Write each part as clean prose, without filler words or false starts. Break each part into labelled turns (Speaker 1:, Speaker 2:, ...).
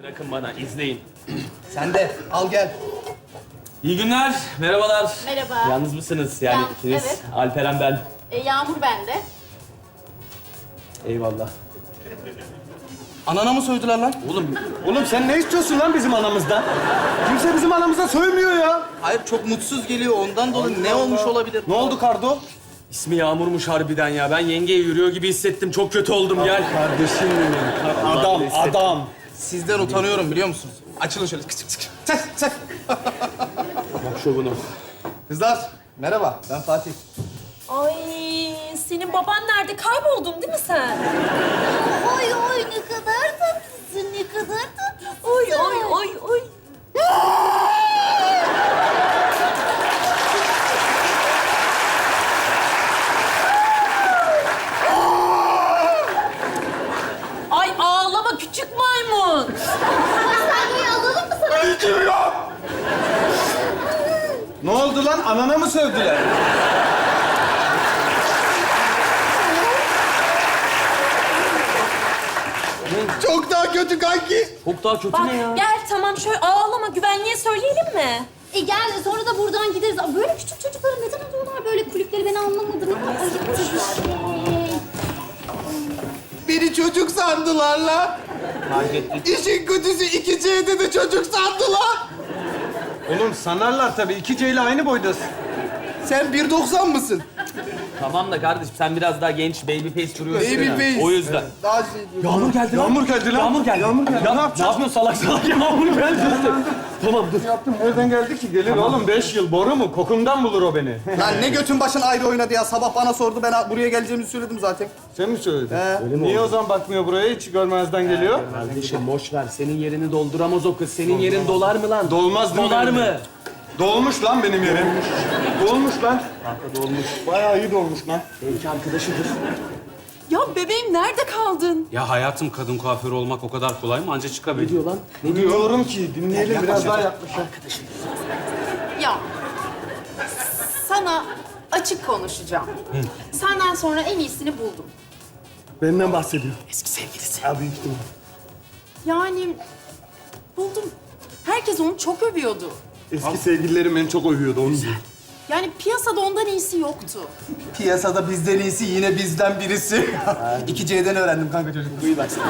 Speaker 1: Bırakın bana, izleyin.
Speaker 2: Sen de al gel.
Speaker 1: İyi günler, merhabalar.
Speaker 3: Merhaba.
Speaker 1: Yalnız mısınız yani ikiniz?
Speaker 3: Evet.
Speaker 1: Alperen ben.
Speaker 3: Yağmur bende.
Speaker 1: Eyvallah.
Speaker 2: Anana mı soydular lan?
Speaker 4: Oğlum sen ne istiyorsun lan bizim anamızdan? Kimse bizim anamıza sövmüyor ya.
Speaker 2: Hayır çok mutsuz geliyor ondan dolayı. Ne olmuş olabilir?
Speaker 4: Ne oldu Kardo?
Speaker 1: İsmi Yağmur'muş harbiden ya. Ben yengeye yürüyor gibi hissettim. Çok kötü oldum, gel.
Speaker 4: Kardeşim benim. Adam, adam.
Speaker 2: Sizden utanıyorum biliyor musunuz? Açılın şöyle. Çek.
Speaker 1: Bak şovunu.
Speaker 2: Kızlar merhaba ben Fatih.
Speaker 5: Ay senin baban nerede? Kayboldun değil mi sen?
Speaker 3: Oy oy ne kadar tatlısın, ne kadar tatlısın.
Speaker 5: Oy oy oy oy. Ay ağlama küçük maymun.
Speaker 3: Hastaneye alalım mı sana?
Speaker 4: Ne oldu lan? Anana mı sövdüler?
Speaker 2: Çok daha kötü kanki.
Speaker 1: Çok daha kötü
Speaker 5: Bak
Speaker 1: ne ya?
Speaker 5: gel tamam şöyle ağlama güvenliğe söyleyelim mi?
Speaker 3: Gel sonra da buradan gideriz. Böyle küçük çocuklara neden alıyorlar böyle kulüpleri, ben anlamadım. Ayıp bir şey.
Speaker 2: Beni çocuk sandılar lan.
Speaker 1: Fark ettik.
Speaker 2: İşin kötüsü 2C'de de çocuk sandılar.
Speaker 4: Oğlum sanarlar tabii. 2C ile aynı boydasın.
Speaker 2: Sen 1.90 mısın?
Speaker 1: Tamam da kardeşim sen biraz daha genç, baby face duruyorsun.
Speaker 2: Baby
Speaker 1: ya.
Speaker 2: face.
Speaker 1: O yüzden.
Speaker 2: Daha
Speaker 1: Yağmur geldi lan.
Speaker 4: Yağmur geldi lan.
Speaker 1: Yağmur geldi.
Speaker 4: Yağmur geldi.
Speaker 1: Ya,
Speaker 4: Ne yapacağız?
Speaker 1: yapıyorsun salak salak? Yağmur geldi işte. Tamam dur.
Speaker 4: Yaptım. Nereden geldi ki? Gelir oğlum. 5 yıl. Boru mu? Kokumdan bulur o beni.
Speaker 2: Lan ne götün başın ayrı oynadı ya. Sabah bana sordu, ben buraya geleceğimizi söyledim zaten.
Speaker 4: Sen mi söyledin?
Speaker 2: He.
Speaker 4: Niye o zaman bakmıyor buraya? Hiç görmezden geliyor.
Speaker 1: Kardeşim boş ver. Senin yerini dolduramaz o kız. Senin yerin dolar mı lan?
Speaker 4: Dolmaz değil mi
Speaker 1: Dolar
Speaker 4: benim
Speaker 1: mı?
Speaker 4: yerim? Dolmuş lan benim yerim. Dolmuş lan.
Speaker 1: Kanka dolmuş.
Speaker 4: Bayağı iyi dolmuş lan.
Speaker 1: Belki arkadaşıdır.
Speaker 5: Ya bebeğim nerede kaldın?
Speaker 6: Ya hayatım kadın kuaförü olmak o kadar kolay mı? Anca
Speaker 1: Ne
Speaker 6: çıkabilir.
Speaker 1: diyor lan? Ne diyor?
Speaker 4: Diyorum ki dinleyelim biraz daha yaklaş.
Speaker 3: Ya sana açık konuşacağım. Senden sonra en iyisini buldum.
Speaker 4: Benden bahsediyor.
Speaker 1: Eski sevgilisi.
Speaker 4: Ya büyük ihtimal.
Speaker 3: Yani buldum. Herkes onu çok övüyordu.
Speaker 4: Eski sevgililerim beni çok övüyordu onu diyor.
Speaker 3: Yani piyasada ondan iyisi yoktu.
Speaker 2: Piyasada bizden iyisi yine bizden birisi. 2C'den öğrendim kanka çocuk.
Speaker 1: Duyu bak sen.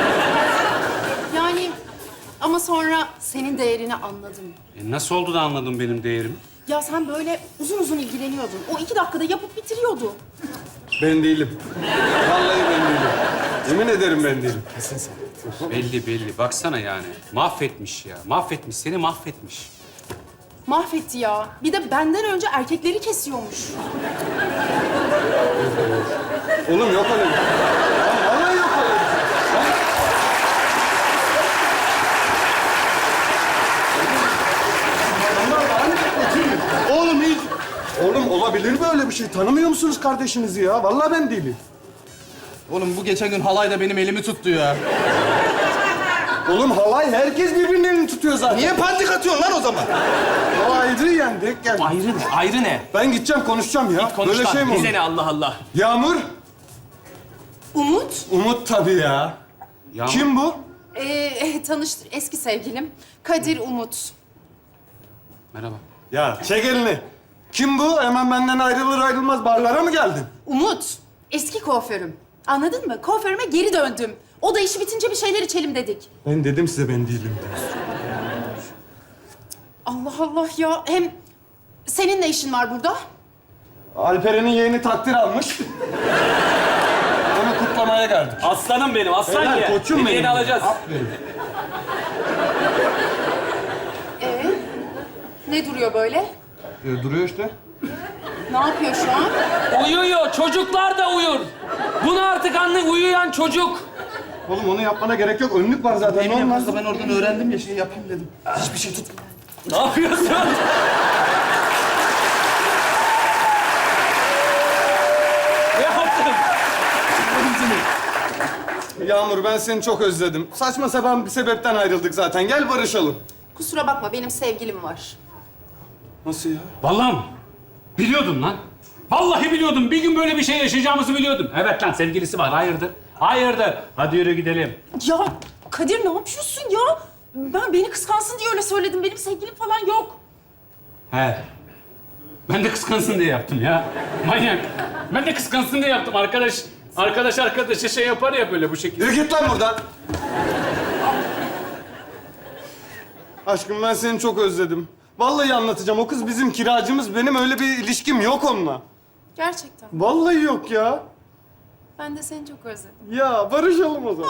Speaker 3: Yani ama sonra senin değerini anladım.
Speaker 6: Nasıl oldu da anladın benim değerimi?
Speaker 3: Ya sen böyle uzun uzun ilgileniyordun. O 2 dakikada yapıp bitiriyordu.
Speaker 4: Ben değilim. Vallahi ben değilim. Yemin ederim ben değilim.
Speaker 6: Belli. Baksana yani. Mahvetmiş ya. Mahvetmiş. Seni mahvetmiş.
Speaker 3: Mahvetti ya. Bir de benden önce erkekleri kesiyormuş.
Speaker 4: Oğlum yok öyle bir şey. Lan vallahi yok öyle bir şey. Oğlum hiç... Oğlum olabilir böyle bir şey. Tanımıyor musunuz kardeşinizi ya? Vallahi ben değilim.
Speaker 2: Oğlum bu geçen gün halayda benim elimi tuttu ya.
Speaker 4: Oğlum halay herkes birbirinin elini tutuyor zaten.
Speaker 2: Niye pandik atıyorsun lan o zaman?
Speaker 4: O ayrı yendik. Gel.
Speaker 1: Ayrı ne? Ayrı ne?
Speaker 4: Ben gideceğim konuşacağım ya.
Speaker 1: Konuş
Speaker 4: Böyle
Speaker 1: lan.
Speaker 4: şey mi olur?
Speaker 1: Bize ne Allah Allah.
Speaker 4: Yağmur.
Speaker 3: Umut,
Speaker 4: Umut tabii ya.
Speaker 6: Yağmur.
Speaker 4: Kim bu?
Speaker 3: tanıştır eski sevgilim. Kadir Umut.
Speaker 6: Merhaba.
Speaker 4: Ya çek elini. Kim bu? Hemen benden ayrılır ayrılmaz barlara mı geldin?
Speaker 3: Umut, eski kuaförüm. Anladın mı? Kuaförüme geri döndüm. O da işi bitince bir şeyler içelim dedik.
Speaker 4: Ben dedim size ben değilim.
Speaker 3: Allah Allah ya. Hem senin ne işin var burada?
Speaker 4: Alperen'in yeğeni takdir almış. Onu kutlamaya geldik.
Speaker 1: Aslanım benim, aslan
Speaker 4: Helal,
Speaker 1: ya.
Speaker 4: koçum
Speaker 1: Hediyeni
Speaker 4: benim.
Speaker 1: alacağız.
Speaker 4: Aferin.
Speaker 3: Ne duruyor böyle?
Speaker 4: Duruyor işte.
Speaker 3: Ne yapıyor şu an?
Speaker 1: Uyuyor, çocuklar da uyur. Bunu artık anla, uyuyan çocuk.
Speaker 4: Oğlum onu yapmana gerek yok. Önlük var zaten.
Speaker 2: Benim
Speaker 4: Normal.
Speaker 2: yapmazsa ben oradan öğrendim ya şey yapayım dedim. Hiçbir şey tut.
Speaker 1: Ne yapıyorsun? Ne yaptın?
Speaker 4: Yağmur ben seni çok özledim. Saçma sapan bir sebepten ayrıldık zaten. Gel barışalım.
Speaker 3: Kusura bakma, benim sevgilim var.
Speaker 4: Nasıl ya?
Speaker 6: Vallahi mı? Biliyordum lan. Vallahi biliyordum. Bir gün böyle bir şey yaşayacağımızı biliyordum. Evet lan sevgilisi var. Hayırdır? Hayırdır? Hadi yürü gidelim.
Speaker 5: Ya Kadir ne yapıyorsun ya? Ben beni kıskansın diye öyle söyledim. Benim sevgilim falan yok.
Speaker 6: He. Ben de kıskansın diye yaptım ya. Manyak. Ben de kıskansın diye yaptım. Arkadaşa şey yapar ya böyle bu şekilde.
Speaker 4: Yürü git lan buradan. Aşkım ben seni çok özledim. Vallahi anlatacağım. O kız bizim kiracımız. Benim öyle bir ilişkim yok onunla.
Speaker 5: Gerçekten.
Speaker 4: Vallahi yok ya.
Speaker 5: Ben de seni çok özledim.
Speaker 4: Ya barışalım o zaman.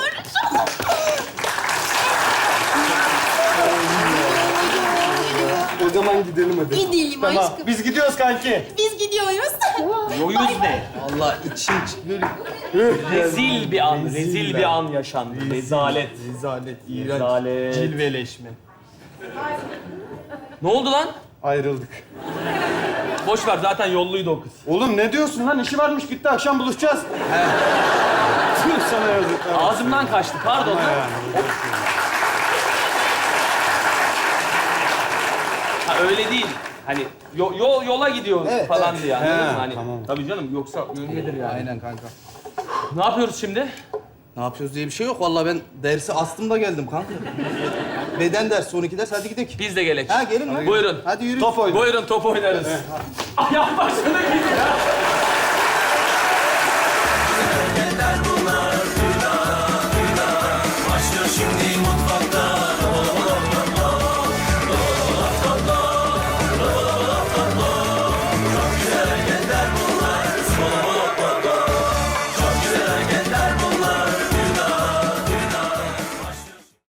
Speaker 4: O zaman gidelim hadi.
Speaker 5: Gidelim
Speaker 4: Tamam.
Speaker 5: aşkım.
Speaker 4: Biz gidiyoruz kanki.
Speaker 5: Biz gidiyoruz.
Speaker 1: Yoyuz ne?
Speaker 2: Allah içim böyle
Speaker 1: Rezil bir an, rezil bir an yaşandı. Rezalet.
Speaker 2: rezalet, iğrenç,
Speaker 1: Rezalet.
Speaker 2: cilveleşme.
Speaker 1: Ne oldu lan?
Speaker 4: Ayrıldık.
Speaker 1: Boş ver, zaten yolluydu o kız.
Speaker 4: Oğlum ne diyorsun lan? İşi varmış gitti. Akşam buluşacağız. Tüh sana yazıklar.
Speaker 1: Ağzımdan kaçtı, pardon. Ha öyle değil. Hani yola gidiyor
Speaker 2: Evet,
Speaker 1: falan
Speaker 2: evet.
Speaker 1: diye anladın
Speaker 4: He,
Speaker 1: mı? Hani,
Speaker 4: tamam.
Speaker 1: Tabii canım, yoksa öyledir yani.
Speaker 2: Aynen kanka.
Speaker 1: Ne yapıyoruz şimdi?
Speaker 2: Ne yapıyoruz diye bir şey yok. Vallahi ben dersi astım da geldim kanka. Beden dersi, 12 ders. Hadi gidelim.
Speaker 1: Biz de gelek.
Speaker 2: Ha gelin lan.
Speaker 1: Buyurun.
Speaker 2: Hadi yürü.
Speaker 4: Top oyna.
Speaker 1: Buyurun top oynarız. Ayak başına